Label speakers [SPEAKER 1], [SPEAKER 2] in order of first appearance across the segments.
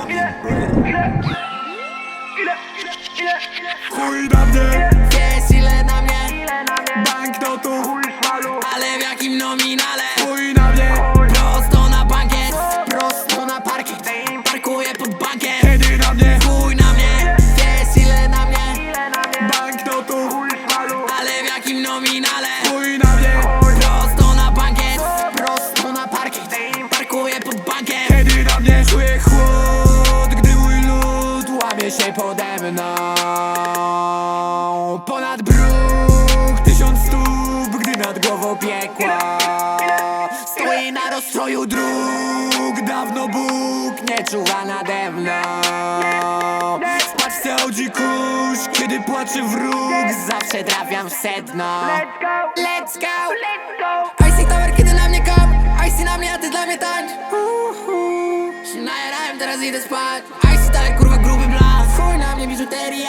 [SPEAKER 1] Chuj na mnie,
[SPEAKER 2] Wiesz ile na mnie,
[SPEAKER 1] banknotów,
[SPEAKER 2] ale w jakim nominale?
[SPEAKER 1] chuj na mnie,
[SPEAKER 2] Prosto na bankiet, prosto na parkiet. Parkuję pod bankiem,
[SPEAKER 1] kiedy na mnie,
[SPEAKER 2] chuj na mnie. Wiesz ile na mnie,
[SPEAKER 1] banknotów,
[SPEAKER 2] ale w jakim nominale?
[SPEAKER 1] chuj na mnie,
[SPEAKER 2] Prosto na bankiet, prosto na parkiet. Parkuję pod bankiem.
[SPEAKER 1] kiedy na mnie. Czuję chłód, gdy mój lud łamie się pode mną. Ponad bruk, 1000 stóp, gdy nad głową piekła. Stoi na rozstroju dróg, dawno Bóg nie czuwa nade mną. W paczce Audi kurz, kiedy płacze wróg, zawsze trafiam w sedno.
[SPEAKER 2] Let's go! Icy Tower, kiedy na mnie kop. Icy na mnie, a ty dla mnie tańcz. Się najarałem, teraz idę spać. Icy dalej, kurwa, gruby blas. Chuj na mnie, biżuteria.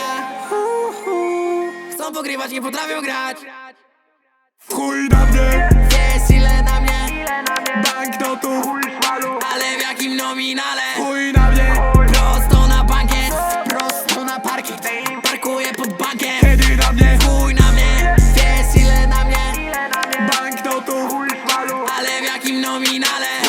[SPEAKER 2] Chcą pogrywać, nie potrafią grać.
[SPEAKER 1] Chuj na mnie,
[SPEAKER 2] Wiesz ile na mnie,
[SPEAKER 1] banknotów,
[SPEAKER 2] ale w jakim nominale?
[SPEAKER 1] chuj na mnie,
[SPEAKER 2] Prosto na bankiet, prosto na parkiet. Parkuję pod bankiem,
[SPEAKER 1] kiedy na mnie,
[SPEAKER 2] chuj na mnie. Wiesz ile na mnie,
[SPEAKER 1] banknotów,
[SPEAKER 2] ale w jakim nominale?